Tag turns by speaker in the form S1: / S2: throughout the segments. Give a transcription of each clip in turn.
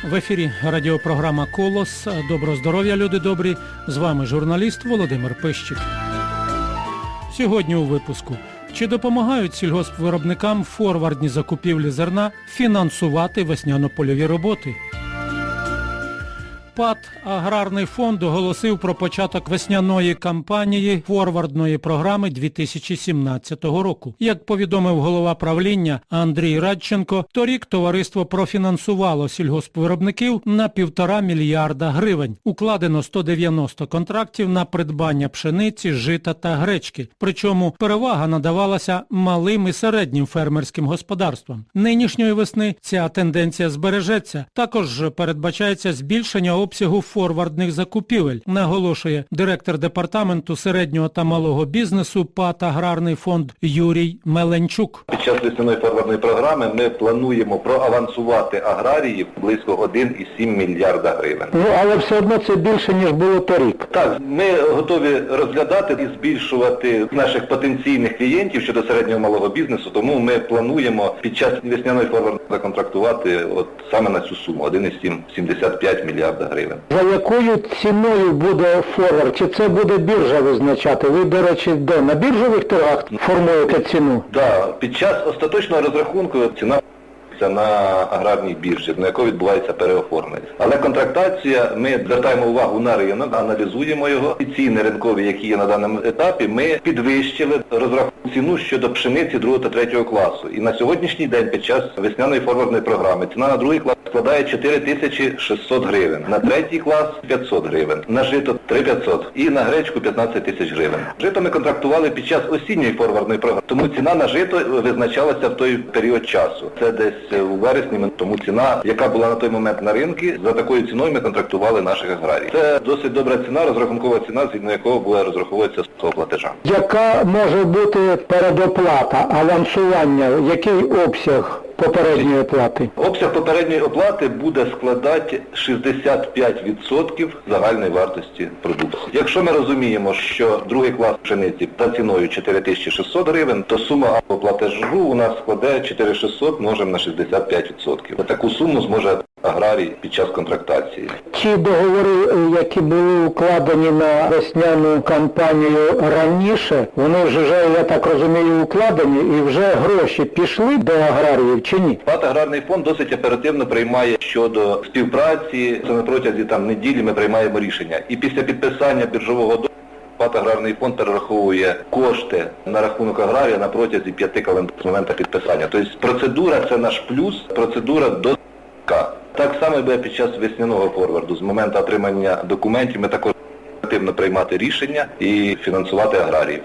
S1: В ефірі радіопрограма «Колос». Доброго здоров'я, люди добрі. З вами журналіст Володимир Пищик. Сьогодні у випуску. Чи допомагають сільгоспвиробникам форвардні закупівлі зерна фінансувати весняно-польові роботи? ПАТ «Аграрний фонд» оголосив про початок весняної кампанії форвардної програми 2017 року. Як повідомив голова правління Андрій Радченко, торік товариство профінансувало сільгоспвиробників на 1,5 мільярда гривень. Укладено 190 контрактів на придбання пшениці, жита та гречки. Причому перевага надавалася малим і середнім фермерським господарствам. Нинішньої весни ця тенденція збережеться. Також передбачається збільшення обсягу форвардних закупівель, наголошує директор департаменту середнього та малого бізнесу ПАТ «Аграрний фонд» Юрій Меленчук.
S2: Під час весняної форвардної програми ми плануємо проавансувати аграріїв близько 1,7 мільярда гривень.
S3: Але все одно це більше, ніж було торік.
S2: Так, ми готові розглядати і збільшувати наших потенційних клієнтів щодо середнього малого бізнесу, тому ми плануємо під час весняної форвардної законтрактувати саме на цю суму 1,75 мільярда гривень.
S3: За якою ціною буде форвард? Чи це буде біржа визначати? Ви, до речі, де? На біржових торгах формуєте ціну?
S2: Так, під час остаточного розрахунку ціна на аграрній біржі, на якій відбувається переоформлення. Але контрактація, ми звертаємо увагу на ринок, аналізуємо його. І ціни ринкові, які є на даному етапі, ми підвищили розрахунку ціну щодо пшениці 2 та 3 класу. І на сьогоднішній день під час весняної форвардної програми ціна на 2 клас складає 4600 гривень, на 3 клас 500 гривень, на жито 3500 і на гречку 15 тисяч гривень. Жито ми контрактували під час осінньої форвардної програми, тому ціна на жито визначалася в той період часу. Це десь у вересні, тому ціна, яка була на той момент на ринку, за такою ціною ми контрактували наших аграріїв. Це досить добра ціна, розрахункова ціна, згідно якого буде розраховуватися з того платежа.
S3: Яка може бути передоплата, авансування, який обсяг попередньої оплати?
S2: Обсяг попередньої оплати буде складати 65% загальної вартості продукції. Якщо ми розуміємо, що 2 клас пшениці за ціною 4600 гривень, то сума платежу у нас складає 4600 множимо на 65%. Таку суму зможе аграрій під час контрактації.
S3: Ті договори, які були укладені на весняну кампанію раніше, вони вже, я так розумію, укладені і вже гроші пішли до аграріїв чи ні?
S2: ПАТ «Аграрний фонд» досить оперативно приймає щодо співпраці. Це на протязі неділі ми приймаємо рішення. І після підписання біржового договору ПАТ «Аграрний фонд» перераховує кошти на рахунок аграрія на протязі 5 календарних з моменту підписання. Тобто процедура – це наш плюс, процедура до Так само буде під час весняного форварду. З моменту отримання документів ми також оперативно приймати рішення і фінансувати аграріїв.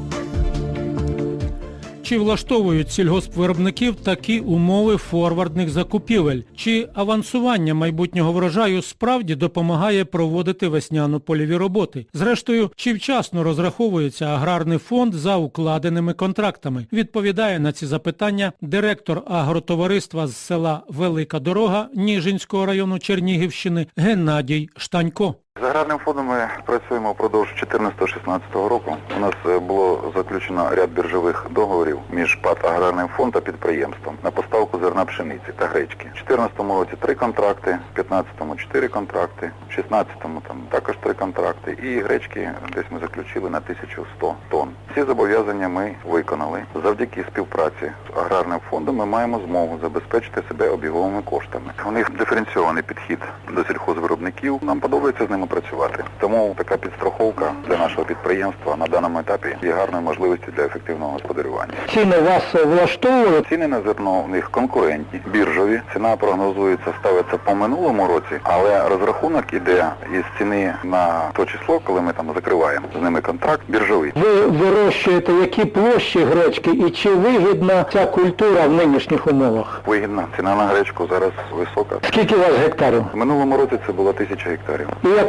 S1: Чи влаштовують сільгоспвиробників такі умови форвардних закупівель? Чи авансування майбутнього врожаю справді допомагає проводити весняно-польові роботи? Зрештою, чи вчасно розраховується аграрний фонд за укладеними контрактами? Відповідає на ці запитання директор агротовариства з села Велика Дорога Ніжинського району Чернігівщини Геннадій Штанько.
S4: З аграрним фондом ми працюємо впродовж 2014-2016 року. У нас було заключено ряд біржових договорів між ПАТ «Аграрний фонд» та підприємством на поставку зерна пшениці та гречки. В 2014 році 3 контракти, в 2015 4 контракти, в 2016 також 3 контракти і гречки десь ми заключили на 1100 тонн. Ці зобов'язання ми виконали. Завдяки співпраці з аграрним фондом ми маємо змогу забезпечити себе обіговими коштами. У них диференційований підхід до сільхозвиробників. Нам подобається з ними працювати. Тому така підстраховка для нашого підприємства на даному етапі є гарною можливістю для ефективного господарювання.
S3: Ціни вас влаштовують?
S4: Ціни на зерно у них конкурентні, біржові. Ціна прогнозується, ставиться по минулому році, але розрахунок іде із ціни на то число, коли ми там закриваємо з ними контракт біржовий.
S3: Ви вирощуєте які площі гречки і чи вигідна ця культура в нинішніх умовах?
S4: Вигідна. Ціна на гречку зараз висока.
S3: Скільки у вас гектарів?
S4: В минулому році це було 1000 гектарів.
S3: І яка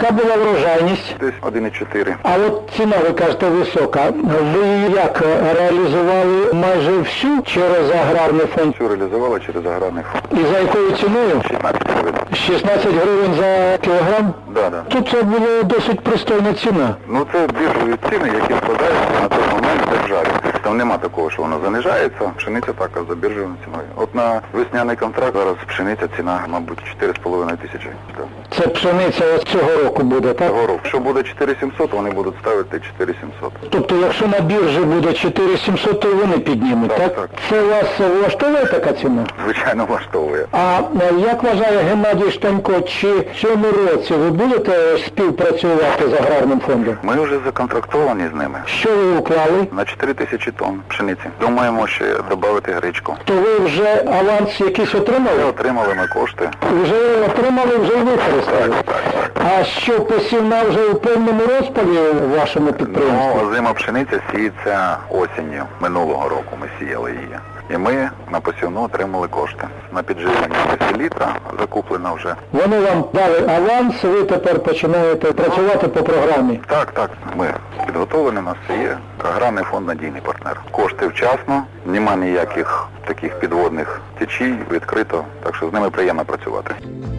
S3: яка була врожайність?
S4: Десь 1,4.
S3: А от ціна, ви кажете, висока. Ви її як реалізували майже всю через аграрний фонд?
S4: Всю реалізували через аграрний фонд.
S3: І за якою ціною?
S4: 16 гривень.
S3: 16 гривень за кілограм?
S4: Да.
S3: Тут це була досить пристойна ціна.
S4: Ну це біржові ціни, які складаються на той момент в державі. Там нема такого, що воно занижається, пшениця така за біржовою ціною. От на весняний контракт зараз пшениця ціна, мабуть, 4,5 тисячі.
S3: Це пшениця ось цього року буде, так?
S4: Цього року. Якщо буде 4700, вони будуть ставити 4700.
S3: Тобто, якщо на біржі буде 4700, то вони піднімуть, так?
S4: Так.
S3: Це вас влаштовує така ціна?
S4: Звичайно, влаштовує.
S3: А як вважає Геннадій Штанько, чи в цьому році ви будете співпрацювати з аграрним фондом?
S4: Ми вже законтрактовані з ними.
S3: Що ви уклали?
S4: На 4 тисячі тонн пшениці. Думаємо ще додати гречку.
S3: То ви вже аванс якийсь
S4: Ми
S3: отримали?
S4: отримали ми кошти.
S3: Вже отримали, вже й використали.
S4: Так.
S3: А що, посівна вже у повному розпалі в вашому підприємстві?
S4: Ну, озима пшениця сіється осінню. Минулого року ми сіяли її. І ми на посівну отримали кошти. На підживлення літа закуплено вже.
S3: Вони вам дали аванс, ви тепер починаєте працювати по програмі.
S4: Так. Ми підготовлені, у нас все є. Аграрний фонд надійний партнер. Кошти вчасно, нема ніяких таких підводних течій, відкрито, так що з ними приємно працювати.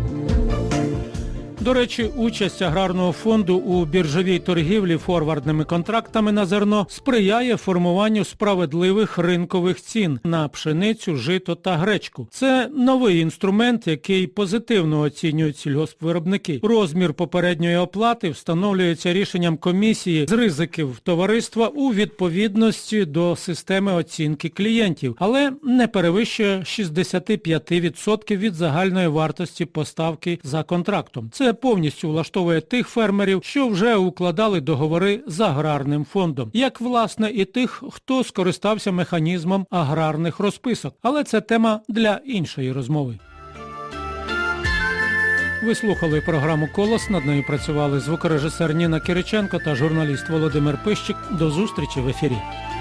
S1: До речі, участь аграрного фонду у біржовій торгівлі форвардними контрактами на зерно сприяє формуванню справедливих ринкових цін на пшеницю, жито та гречку. Це новий інструмент, який позитивно оцінюють сільгоспвиробники. Розмір попередньої оплати встановлюється рішенням комісії з ризиків товариства у відповідності до системи оцінки клієнтів, але не перевищує 65% від загальної вартості поставки за контрактом. Це повністю влаштовує тих фермерів, що вже укладали договори з аграрним фондом, як, власне, і тих, хто скористався механізмом аграрних розписок. Але це тема для іншої розмови. Ви слухали програму «Колос». Над нею працювали звукорежисер Ніна Кириченко та журналіст Володимир Пищик. До зустрічі в ефірі.